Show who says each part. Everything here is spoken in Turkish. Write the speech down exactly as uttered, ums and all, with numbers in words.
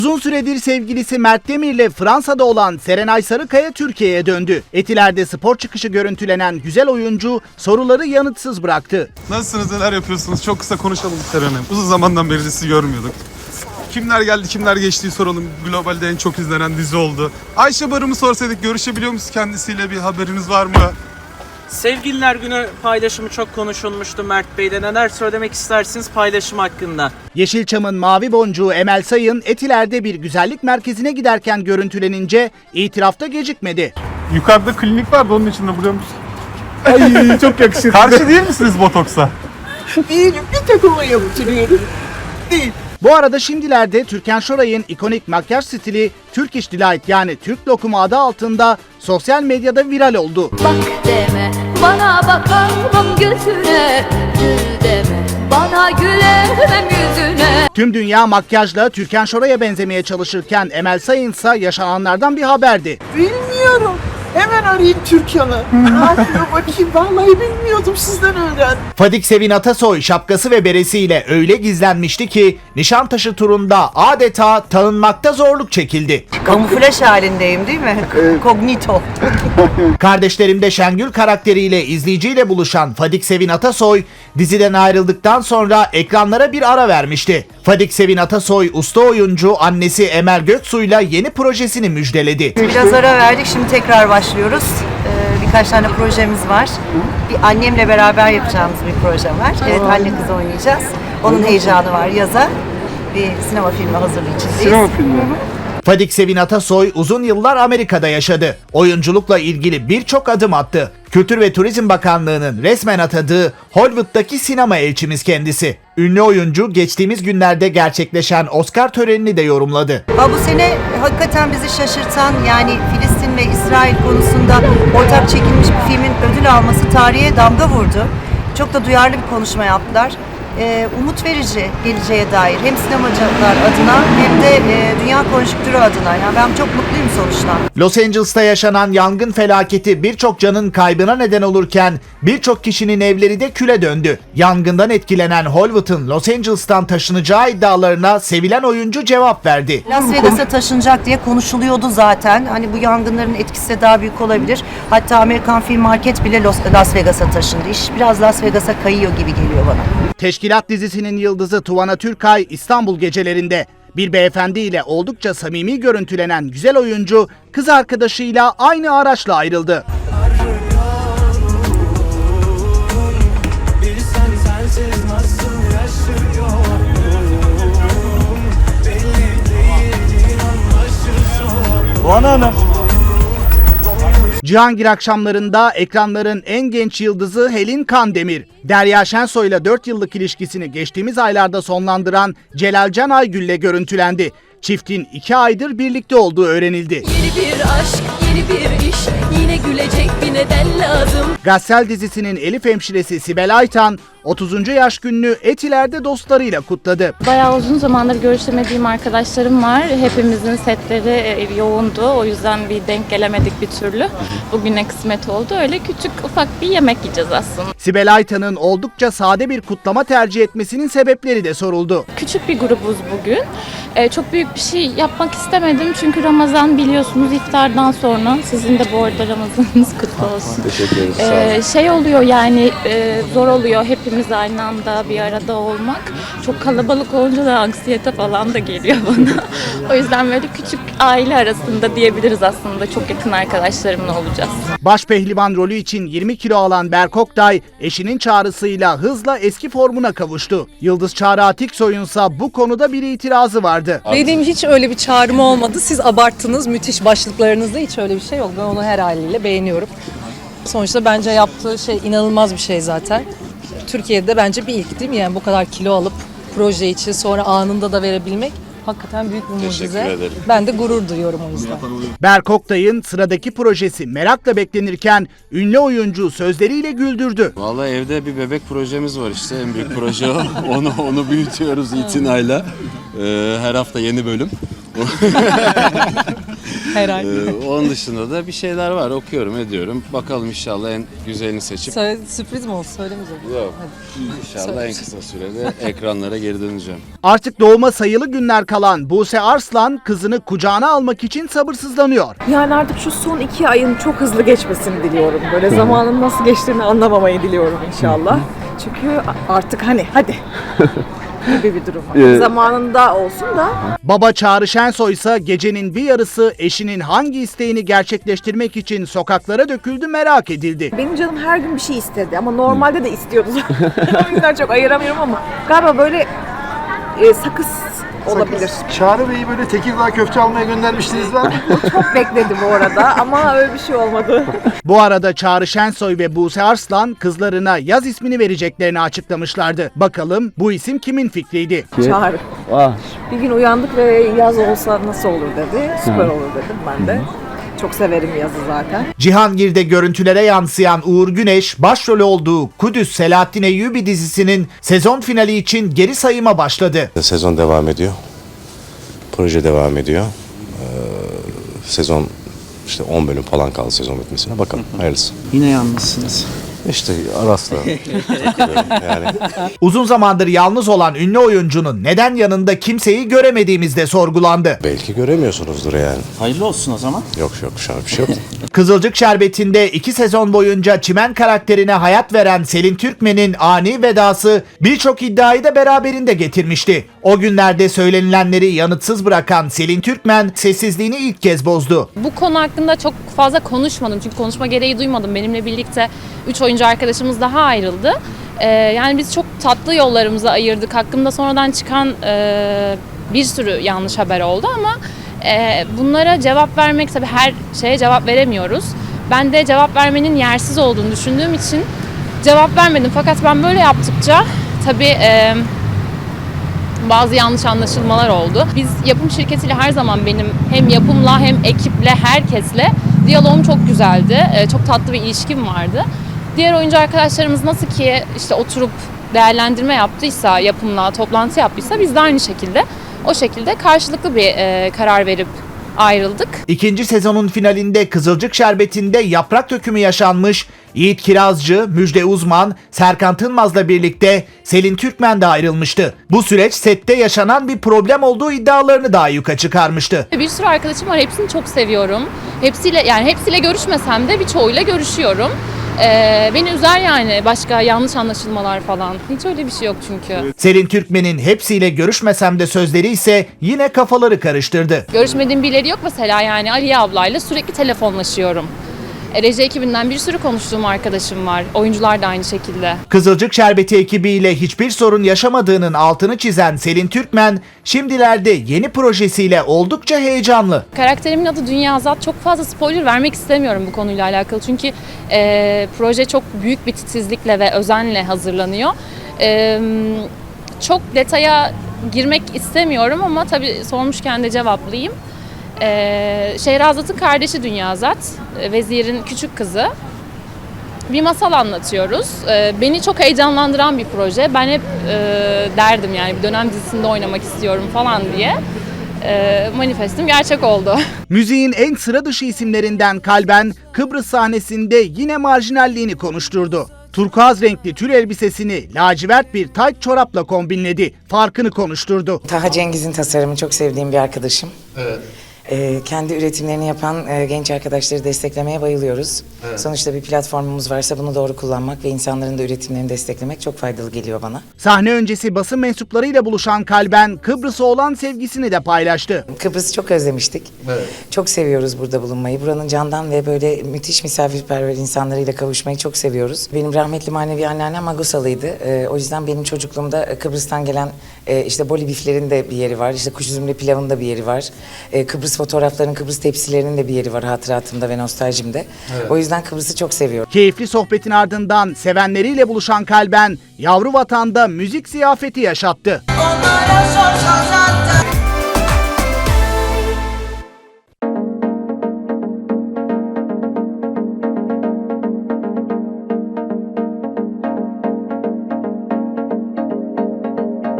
Speaker 1: Uzun süredir sevgilisi Mert Demir'le Fransa'da olan Serenay Sarıkaya Türkiye'ye döndü. Etiler'de spor çıkışı görüntülenen güzel oyuncu soruları yanıtsız bıraktı.
Speaker 2: Nasılsınız, neler yapıyorsunuz? Çok kısa konuşalım Serenay. Uzun zamandan beri sizi görmüyorduk. Kimler geldi, kimler geçtiği soralım. Globalde en çok izlenen dizi oldu. Ayşe Barım'ı sorsaydık görüşebiliyor musunuz kendisiyle, bir haberiniz var mı?
Speaker 3: Sevgililer Günü paylaşımı çok konuşulmuştu Mert Bey'de. Neler söylemek istersiniz paylaşım hakkında?
Speaker 1: Yeşilçam'ın mavi boncuğu Emel Sayın Etiler'de bir güzellik merkezine giderken görüntülenince itirafta gecikmedi.
Speaker 2: Yukarıda klinik vardı, onun için de biliyor musun?
Speaker 4: Ay çok yakışır.
Speaker 2: Karşı değil misiniz botoksa?
Speaker 4: Değilim, bir takıma yaptırıyorum. Değil.
Speaker 1: Bu arada şimdilerde Türkan Şoray'ın ikonik makyaj stili Turkish Delight yani Türk lokumu adı altında sosyal medyada viral oldu.
Speaker 5: Bak deme, bana bakamam gözüne. Gül deme, bana gülemem yüzüne.
Speaker 1: Tüm dünya makyajla Türkan Şoray'a benzemeye çalışırken Emel Sayın ise yaşananlardan bir haberdi.
Speaker 4: Bilmiyorum. Hemen arayayım Türkan'ı. Ne yapıyor bakayım, vallahi bilmiyordum, sizden öğrendim.
Speaker 1: Fadik Sevin Atasoy şapkası ve beresiyle öyle gizlenmişti ki Nişantaşı turunda adeta tanınmakta zorluk çekildi.
Speaker 6: Kamuflaj halindeyim değil mi? Kognito.
Speaker 1: Kardeşlerimde Şengül karakteriyle izleyiciyle buluşan Fadik Sevin Atasoy diziden ayrıldıktan sonra ekranlara bir ara vermişti. Fadik Sevin Atasoy usta oyuncu annesi Emel Göksu'yla yeni projesini müjdeledi.
Speaker 6: Biraz ara verdik, şimdi tekrar başlıyoruz. Ee, birkaç tane projemiz var. Bir annemle beraber yapacağımız bir proje var. Evet, anne kız oynayacağız. Onun heyecanı var, yaza. Bir sinema filmi hazırlığı içindeyiz.
Speaker 4: Sinema filmi.
Speaker 1: Fadik Sevin Atasoy uzun yıllar Amerika'da yaşadı. Oyunculukla ilgili birçok adım attı. Kültür ve Turizm Bakanlığı'nın resmen atadığı Hollywood'daki sinema elçimiz kendisi. Ünlü oyuncu geçtiğimiz günlerde gerçekleşen Oscar törenini de yorumladı.
Speaker 6: Ha, bu sene hakikaten bizi şaşırtan, yani Filistin ve İsrail konusunda ortak çekilmiş bir filmin ödül alması tarihe damga vurdu. Çok da duyarlı bir konuşma yaptılar. Ee, umut verici geleceğe dair, hem sinemacılar adına hem de e, dünya konjonktürü adına. Yani ben çok mutluyum sonuçta.
Speaker 1: Los Angeles'ta yaşanan yangın felaketi birçok canın kaybına neden olurken birçok kişinin evleri de küle döndü. Yangından etkilenen Hollywood'un Los Angeles'tan taşınacağı iddialarına sevilen oyuncu cevap verdi.
Speaker 6: Las Vegas'a taşınacak diye konuşuluyordu zaten. Hani bu yangınların etkisi de daha büyük olabilir. Hatta Amerikan Film Market bile Las Vegas'a taşındı. İş biraz Las Vegas'a kayıyor gibi geliyor bana.
Speaker 1: Teşkilat dizisinin yıldızı Tuvana Türkay İstanbul gecelerinde bir beyefendiyle oldukça samimi görüntülenen güzel oyuncu kız arkadaşıyla aynı araçla ayrıldı.
Speaker 4: Bana ne?
Speaker 1: Cihangir akşamlarında ekranların en genç yıldızı Helin Kandemir, Derya Şensoy'la dört yıllık ilişkisini geçtiğimiz aylarda sonlandıran Celalcan Aygül'le görüntülendi. Çiftin iki aydır birlikte olduğu öğrenildi.
Speaker 5: Yeni bir aşk, yeni bir iş, yine gülecek bir neden lazım.
Speaker 1: Gassel dizisinin Elif hemşiresi Sibel Aytan, otuzuncu yaş gününü Etiler'de dostlarıyla kutladı.
Speaker 7: Bayağı uzun zamandır görüşemediğim arkadaşlarım var. Hepimizin setleri yoğundu. O yüzden bir denk gelemedik bir türlü. Bugüne kısmet oldu. Öyle küçük ufak bir yemek yiyeceğiz aslında.
Speaker 1: Sibel Aytan'ın oldukça sade bir kutlama tercih etmesinin sebepleri de soruldu.
Speaker 7: Küçük bir grubuz bugün. Ee, çok büyük bir şey yapmak istemedim. Çünkü Ramazan biliyorsunuz iftardan sonra. Sizin de bu arada Ramazanınız kutlu olsun. Teşekkür ederiz. Ee, şey oluyor yani e, zor oluyor hepimiz aynı anda bir arada olmak. Çok kalabalık olunca da anksiyete falan da geliyor bana. O yüzden böyle küçük aile arasında diyebiliriz aslında. Çok yakın arkadaşlarımla olacağız.
Speaker 1: Baş pehlivan rolü için yirmi kilo alan Berk Oktay, eşinin çağrısıyla hızla eski formuna kavuştu. Yıldız Çağrı Atiksoy'unsa bu konuda bir itirazı vardı.
Speaker 8: Benim hiç öyle bir çağrım olmadı. Siz abarttınız müthiş başlıklarınızda, hiç öyle bir şey yok. Ben onu her haliyle beğeniyorum. Sonuçta bence yaptığı şey inanılmaz bir şey zaten. Türkiye'de bence bir ilk değil mi? Yani bu kadar kilo alıp proje için sonra anında da verebilmek hakikaten büyük bir mucize. Ben de gurur duyuyorum o yüzden.
Speaker 1: Berk Oktay'ın sıradaki projesi merakla beklenirken ünlü oyuncu sözleriyle güldürdü.
Speaker 9: Vallahi evde bir bebek projemiz var işte, en büyük proje o. onu onu büyütüyoruz itinayla. Ee, her hafta yeni bölüm.
Speaker 8: Herhalde.
Speaker 9: Ee, onun dışında da bir şeyler var. Okuyorum, ediyorum. Bakalım inşallah en güzelini seçip.
Speaker 8: Söyle, sürpriz mi oldu? Söylemeyeceğim.
Speaker 9: Yok. İnşallah en kısa sürede ekranlara geri döneceğim.
Speaker 1: Artık doğuma sayılı günler kalan Buse Arslan kızını kucağına almak için sabırsızlanıyor.
Speaker 10: Yani artık şu son iki ayın çok hızlı geçmesini diliyorum. Böyle zamanın nasıl geçtiğini anlamamayı diliyorum inşallah. Çünkü artık hani hadi gibi bir durum var. Zamanında olsun da.
Speaker 1: Baba Çağrı Şensoy ise gecenin bir yarısı eşinin hangi isteğini gerçekleştirmek için sokaklara döküldü merak edildi.
Speaker 10: Benim canım her gün bir şey istedi ama normalde de istiyordu. O yüzden çok ayıramıyorum ama galiba böyle e, sakız olabilir.
Speaker 4: Çağrı Bey'i böyle Tekirdağ köfte almaya göndermiştiniz var mı?
Speaker 10: Çok bekledi bu arada ama öyle bir şey olmadı.
Speaker 1: Bu arada Çağrı Şensoy ve Buse Arslan kızlarına yaz ismini vereceklerini açıklamışlardı. Bakalım bu isim kimin fikriydi?
Speaker 10: Çağrı. Bir gün uyandık ve yaz olsa nasıl olur dedi. Süper olur dedim ben de. Çok severim yazı zaten.
Speaker 1: Cihangir'de görüntülere yansıyan Uğur Güneş başrol olduğu Kudüs Selahattin Eyyubi dizisinin sezon finali için geri sayıma başladı.
Speaker 11: Sezon devam ediyor. Proje devam ediyor. Ee, sezon işte on bölüm falan kaldı sezon bitmesine. Bakalım hayırlısı.
Speaker 3: Yine yalnızsınız.
Speaker 11: İşte Aras'la yani.
Speaker 1: Uzun zamandır yalnız olan ünlü oyuncunun neden yanında kimseyi göremediğimiz de sorgulandı.
Speaker 11: Belki göremiyorsunuzdur yani.
Speaker 3: Hayırlı olsun o zaman.
Speaker 11: Yok yok şu an bir şey yok.
Speaker 1: Kızılcık Şerbeti'nde iki sezon boyunca Çimen karakterine hayat veren Selin Türkmen'in ani vedası birçok iddiayı da beraberinde getirmişti. O günlerde söylenilenleri yanıtsız bırakan Selin Türkmen sessizliğini ilk kez bozdu.
Speaker 7: Bu konu hakkında çok fazla konuşmadım çünkü konuşma gereği duymadım. Benimle birlikte üç oyuncu arkadaşımız daha ayrıldı. Ee, yani biz çok tatlı yollarımızı ayırdık. Hakkımda sonradan çıkan e, bir sürü yanlış haber oldu ama e, bunlara cevap vermek, tabii her şeye cevap veremiyoruz. Ben de cevap vermenin yersiz olduğunu düşündüğüm için cevap vermedim. Fakat ben böyle yaptıkça tabii e, bazı yanlış anlaşılmalar oldu. Biz yapım şirketiyle her zaman benim hem yapımla hem ekiple herkesle diyalogum çok güzeldi. E, çok tatlı bir ilişkim vardı. Diğer oyuncu arkadaşlarımız nasıl ki işte oturup değerlendirme yaptıysa, yapımla toplantı yaptıysa biz de aynı şekilde o şekilde karşılıklı bir e, karar verip ayrıldık.
Speaker 1: İkinci sezonun finalinde Kızılcık Şerbeti'nde yaprak dökümü yaşanmış. Yiğit Kirazcı, Müjde Uzman, Serkan Tınmaz'la birlikte Selin Türkmen de ayrılmıştı. Bu süreç sette yaşanan bir problem olduğu iddialarını daha yuka çıkarmıştı.
Speaker 7: Bir sürü arkadaşım var, hepsini çok seviyorum. Hepsiyle yani hepsiyle görüşmesem de birçoğuyla görüşüyorum. Ee, beni üzer yani başka yanlış anlaşılmalar falan. Hiç öyle bir şey yok çünkü.
Speaker 1: Selin Türkmen'in hepsiyle görüşmesem de sözleri ise yine kafaları karıştırdı.
Speaker 7: Görüşmediğim birileri yok mesela, yani Aliye ablayla sürekli telefonlaşıyorum. E, Reji ekibinden bir sürü konuştuğum arkadaşım var. Oyuncular da aynı şekilde.
Speaker 1: Kızılcık Şerbeti ekibiyle hiçbir sorun yaşamadığının altını çizen Selin Türkmen, şimdilerde yeni projesiyle oldukça heyecanlı.
Speaker 7: Karakterimin adı Dünya Azat. Çok fazla spoiler vermek istemiyorum bu konuyla alakalı. Çünkü e, proje çok büyük bir titizlikle ve özenle hazırlanıyor. E, çok detaya girmek istemiyorum ama tabii sormuşken de cevaplayayım. Ee, Şehrazat'ın kardeşi Dünyazat, vezirin küçük kızı. Bir masal anlatıyoruz. Ee, beni çok heyecanlandıran bir proje. Ben hep e, derdim yani bir dönem dizisinde oynamak istiyorum falan diye. Ee, manifestim gerçek oldu.
Speaker 1: Müziğin en sıra dışı isimlerinden Kalben, Kıbrıs sahnesinde yine marjinalliğini konuşturdu. Turkuaz renkli tül elbisesini lacivert bir tayt çorapla kombinledi. Farkını konuşturdu.
Speaker 12: Taha Cengiz'in tasarımı çok sevdiğim bir arkadaşım. Evet. Ee, kendi üretimlerini yapan e, genç arkadaşları desteklemeye bayılıyoruz. Evet. Sonuçta bir platformumuz varsa bunu doğru kullanmak ve insanların da üretimlerini desteklemek çok faydalı geliyor bana.
Speaker 1: Sahne öncesi basın mensuplarıyla buluşan Kalben, Kıbrıs'a olan sevgisini de paylaştı.
Speaker 12: Kıbrıs'ı çok özlemiştik. Evet. Çok seviyoruz burada bulunmayı. Buranın candan ve böyle müthiş misafirperver insanlarıyla kavuşmayı çok seviyoruz. Benim rahmetli manevi anneannem Magusalıydı. Ee, o yüzden benim çocukluğumda Kıbrıs'tan gelen e, işte boli biflerin de bir yeri var. İşte kuş üzümlü pilavın da bir yeri var. E, Kıbrıs fotoğrafların, Kıbrıs tepsilerinin de bir yeri var hatıratımda ve nostaljimde. Evet. O yüzden Kıbrıs'ı çok seviyorum.
Speaker 1: Keyifli sohbetin ardından sevenleriyle buluşan Kalben, yavru vatanda müzik ziyafeti yaşattı.
Speaker 13: Onlara sorsan